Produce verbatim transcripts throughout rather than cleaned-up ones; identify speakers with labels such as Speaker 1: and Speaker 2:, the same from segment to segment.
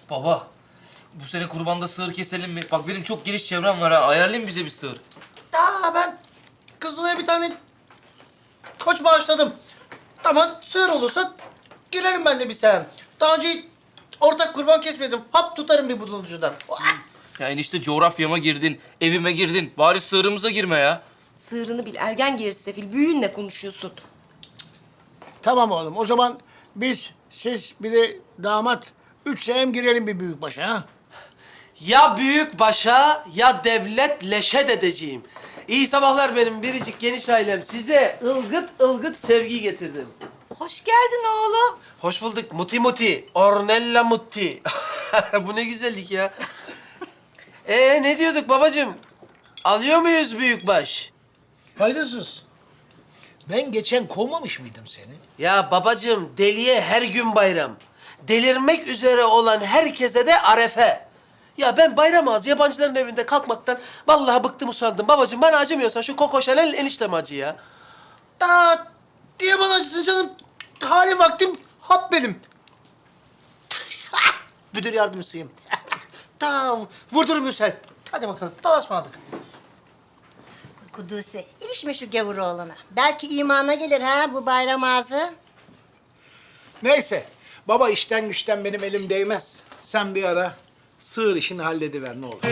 Speaker 1: Baba, bu sene kurbanda sığır keselim mi? Bak benim çok geniş çevrem var ha. Ayarlayın bize bir sığır.
Speaker 2: Aa, ben Kızılay'a bir tane koç bağışladım. Tamam, sığır olursa girerim ben de bir sehem. Daha önce hiç ortak kurban kesmedim. Hap tutarım bir budulcudan.
Speaker 1: Ya enişte coğrafyama girdin, evime girdin. Bari sığırımıza girme ya.
Speaker 3: Sığırını bil, ergen gerisi sefil. Büyüğünle konuşuyorsun.
Speaker 4: Tamam oğlum, o zaman biz, siz bir de damat üç sehem girelim bir büyükbaşa ha.
Speaker 5: Ya büyük başa ya devlet leşe dedeciğim. İyi sabahlar benim biricik geniş ailem. Size ılgıt ılgıt sevgi getirdim.
Speaker 3: Hoş geldin oğlum.
Speaker 5: Hoş bulduk muti muti. Ornella mutti. Bu ne güzellik ya. Ee ne diyorduk babacığım? Alıyor muyuz büyükbaş?
Speaker 4: Faydasız. Ben geçen kovmamış mıydım seni?
Speaker 5: Ya babacığım deliye her gün bayram. Delirmek üzere olan herkese de arefe. Ya ben bayram ağzı yabancıların evinde kalkmaktan vallahi bıktım usandım. Babacığım bana acımıyorsan şu Coco Chanel enişteme acı ya.
Speaker 2: Aa, diye bana acısın canım. Hali vaktim hap benim. Müdür yardımcısıyım. Ta vurdurun Müsel. Hadi bakalım, dalaşmadık.
Speaker 6: Kudüs'e ilişme şu gavur oğlana. Belki imana gelir ha bu bayram ağzı.
Speaker 4: Neyse, baba işten güçten benim elim değmez. Sen bir ara sığır işini hallediver ne olur.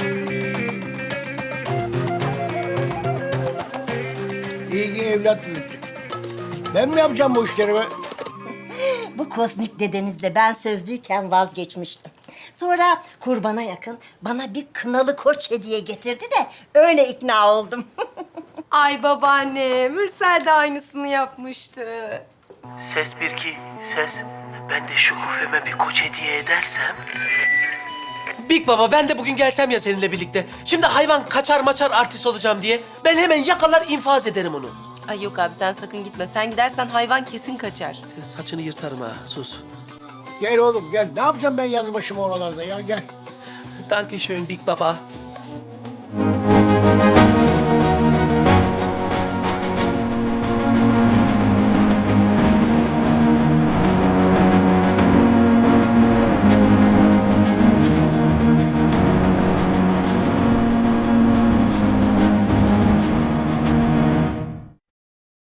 Speaker 4: İyi ki evlat büyüttük. Ben mi yapacağım bu işleri be?
Speaker 6: Bu kozmik dedenizle ben sözlüyken vazgeçmiştim. Sonra kurbana yakın bana bir kınalı koç hediye getirdi de öyle ikna oldum.
Speaker 3: Ay babaanne, Mürsel de aynısını yapmıştı.
Speaker 5: Ses bir ki ses. Ben de şu hufeme bir koç hediye edersem. Big baba ben de bugün gelsem ya seninle birlikte. Şimdi hayvan kaçar maçar artist olacağım diye. Ben hemen yakalar infaz ederim onu.
Speaker 3: Ay yok abi sen sakın gitme. Sen gidersen hayvan kesin kaçar.
Speaker 5: Saçını yırtarım ha sus.
Speaker 4: Gel oğlum gel. Ne yapacağım ben yalnız başıma oralarda ya gel.
Speaker 5: Danke schön Big Baba.